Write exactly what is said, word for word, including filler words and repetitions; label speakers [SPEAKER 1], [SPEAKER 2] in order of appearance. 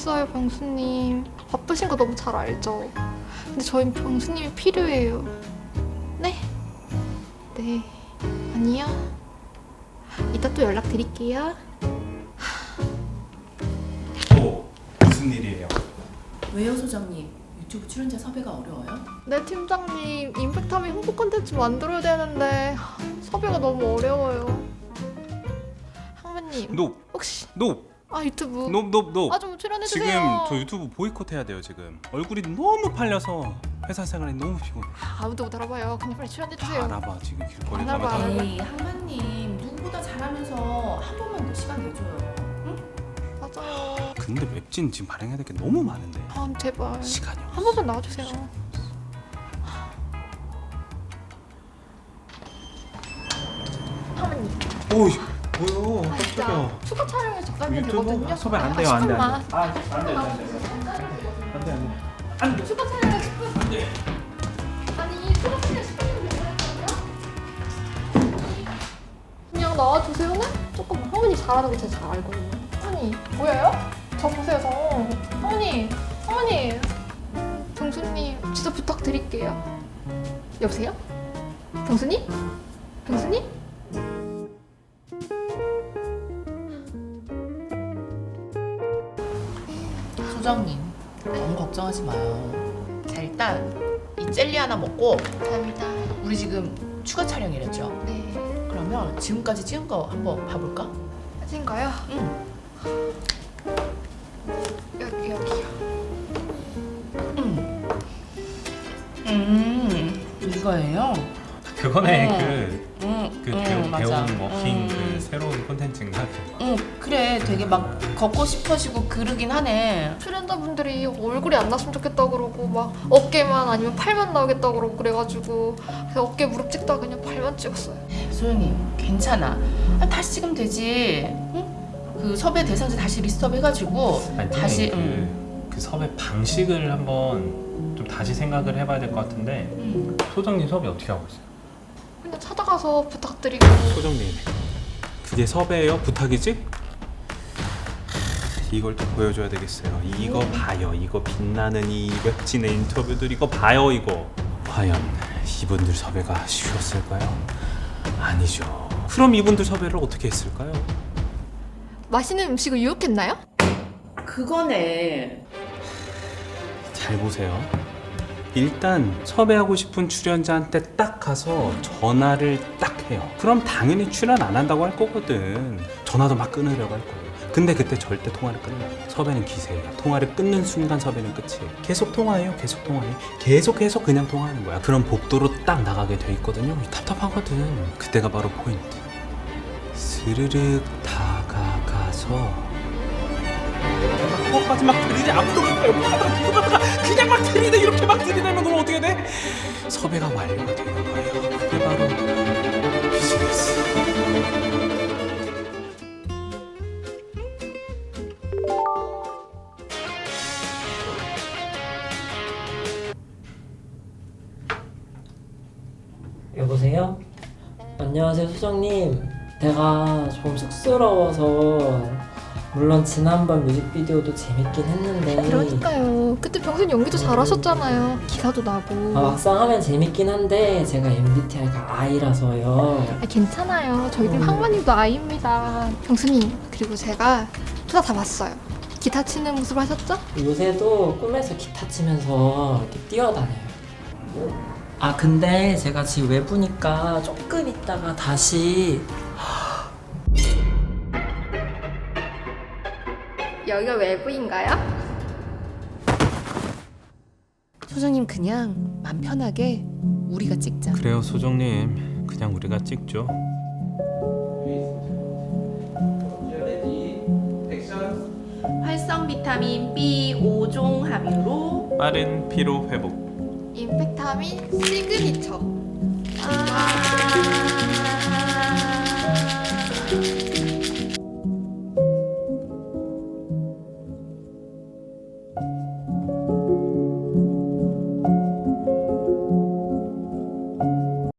[SPEAKER 1] 알겠어요, 병수님. 바쁘신 거 너무 잘 알죠. 근데 저희 병수님이 필요해요. 네? 네. 아니요. 이따 또 연락드릴게요.
[SPEAKER 2] 또 무슨 일이에요?
[SPEAKER 3] 왜요, 소장님? 유튜브 출연자 섭외가 어려워요?
[SPEAKER 1] 네, 팀장님. 임팩트하면 홍보 콘텐츠 만들어야 되는데 섭외가 너무 어려워요. 항마님.
[SPEAKER 2] 노!
[SPEAKER 1] 혹시
[SPEAKER 2] 노!
[SPEAKER 1] 아 유튜브
[SPEAKER 2] 노! 노! 노!
[SPEAKER 1] 아 좀 출연해주세요.
[SPEAKER 2] 지금 저 유튜브 보이콧 해야 돼요 지금. 얼굴이 너무 팔려서 회사 생활이 너무 피곤해.
[SPEAKER 1] 아무도 못 알아봐요. 그냥 빨리
[SPEAKER 2] 다
[SPEAKER 1] 출연해주세요.
[SPEAKER 2] 알아봐 지금 길거리
[SPEAKER 1] 안
[SPEAKER 2] 가면
[SPEAKER 1] 알아봐.
[SPEAKER 2] 다 알아봐.
[SPEAKER 3] 에이, 항마님 누구보다 잘하면서 한 번만 더 시간 내줘요. 응?
[SPEAKER 1] 맞아요.
[SPEAKER 2] 근데 웹진 지금 발행해야 될 게 너무 많은데
[SPEAKER 1] 아 제발
[SPEAKER 2] 시간이 없어.
[SPEAKER 1] 한 번만 나와주세요. 하모님.
[SPEAKER 2] 오이 뭐요?
[SPEAKER 1] 아 진짜 추가 촬영에 적당히
[SPEAKER 2] 유튜브
[SPEAKER 1] 되거든요.
[SPEAKER 2] 섭외 안
[SPEAKER 1] 아,
[SPEAKER 2] 돼요 안돼
[SPEAKER 1] 잠깐만.
[SPEAKER 2] 안돼. 안돼 안돼 안돼 안돼.
[SPEAKER 1] 추가 촬영에 십 분.
[SPEAKER 2] 안돼.
[SPEAKER 1] 아니 추가 촬영 십 분이면 되잖아요. 그냥 나와주세요는 조금 하모니 잘하는 거 제가 잘 알거든요. 하모니 뭐예요? 저 보세요 저. 하모니 하모니. 병수님 진짜 부탁드릴게요. 여보세요? 병수님? 병수님?
[SPEAKER 3] 소장님 너무 걱정하지 마요. 자, 일단 이 젤리 하나 먹고
[SPEAKER 1] 감사합니다.
[SPEAKER 3] 우리 지금 추가 촬영이랬죠?
[SPEAKER 1] 네.
[SPEAKER 3] 그러면 지금까지 찍은 거 한번 봐볼까?
[SPEAKER 1] 사진가요?
[SPEAKER 3] 응.
[SPEAKER 1] 여기 여기요.
[SPEAKER 3] 음. 음. 이거예요?
[SPEAKER 4] 그거네
[SPEAKER 3] 어.
[SPEAKER 4] 그,
[SPEAKER 3] 응.
[SPEAKER 4] 그
[SPEAKER 3] 응,
[SPEAKER 4] 배우,
[SPEAKER 3] 맞아.
[SPEAKER 4] 배운 워킹
[SPEAKER 3] 음.
[SPEAKER 4] 그 새로운 콘텐츠인가?
[SPEAKER 3] 응, 그래. 되게 막 걷고 싶어지고 그러긴 하네.
[SPEAKER 1] 출연자분들이 얼굴이 안 났으면 좋겠다 그러고 막 어깨만 아니면 팔만 나오겠다 그러고 그래가지고 그래서 어깨 무릎 찍다가 그냥 팔만 찍었어요.
[SPEAKER 3] 소영이 괜찮아. 아, 다시 찍으면 되지. 응? 그 섭외 대상자 다시 리스트업 해가지고
[SPEAKER 4] 아니,
[SPEAKER 3] 다시.
[SPEAKER 4] 그,
[SPEAKER 3] 응.
[SPEAKER 4] 그 섭외 방식을 한번 좀 다시 생각을 해봐야 될 것 같은데
[SPEAKER 3] 응.
[SPEAKER 4] 소정님 섭외 어떻게 하고 있어요?
[SPEAKER 1] 그냥 찾아가서 부탁드리고.
[SPEAKER 2] 소정님 그게 섭외예요? 부탁이지? 이걸 또 보여줘야 되겠어요. 이거 봐요. 이거 빛나는 이 웹진의 인터뷰들 이거 봐요 이거. 과연 이분들 섭외가 쉬웠을까요? 아니죠. 그럼 이분들 섭외를 어떻게 했을까요?
[SPEAKER 1] 맛있는 음식을 유혹했나요?
[SPEAKER 3] 그거네.
[SPEAKER 2] 잘 보세요. 일단 섭외하고 싶은 출연자한테 딱 가서 전화를 딱 해요. 그럼 당연히 출연 안 한다고 할 거거든. 전화도 막 끊으려고 할 거고. 근데 그때 절대 통화를 끊어요. 섭외는 기세예요. 통화를 끊는 순간 섭외는 끝이에요. 계속 통화해요. 계속 통화해. 계속해서 그냥 통화하는 거야. 그럼 복도로 딱 나가게 돼 있거든요. 답답하거든. 그때가 바로 포인트. 스르륵 다가가서 그것까지 막 들이대. 아무도 못가요. 그냥 막 들이대. 이렇게 막 들이대면 그럼 어떻게 돼? 섭외가 완료가 되는 거예요. 그게 바로 비즈니스.
[SPEAKER 5] 여보세요? 안녕하세요 소장님. 내가 좀 쑥스러워서 물론 지난번 뮤직비디오도 재밌긴 했는데
[SPEAKER 1] 그러니까요. 그때 병수님 연기도 잘하셨잖아요. 기사도 나고.
[SPEAKER 5] 아, 막상 하면 재밌긴 한데 제가 엠비티아이가 아이라서요.
[SPEAKER 1] 아, 괜찮아요. 저희 팀
[SPEAKER 5] 음.
[SPEAKER 1] 항마님도 아이입니다. 병수님 그리고 제가 투자 다 봤어요. 기타 치는 모습 하셨죠?
[SPEAKER 5] 요새도 꿈에서 기타 치면서 이렇게 뛰어다녀요. 아 근데 제가 지금 외부니까 조금 있다가 다시
[SPEAKER 1] 여기가 외부인가요?
[SPEAKER 3] 소장님 그냥 맘 편하게 우리가 찍자.
[SPEAKER 4] 그래요 소정님 그냥 우리가 찍죠.
[SPEAKER 3] 활성 비타민 B 오 종 함유로
[SPEAKER 4] 빠른 피로 회복.
[SPEAKER 1] 임팩트하민 시그니처.
[SPEAKER 3] 아~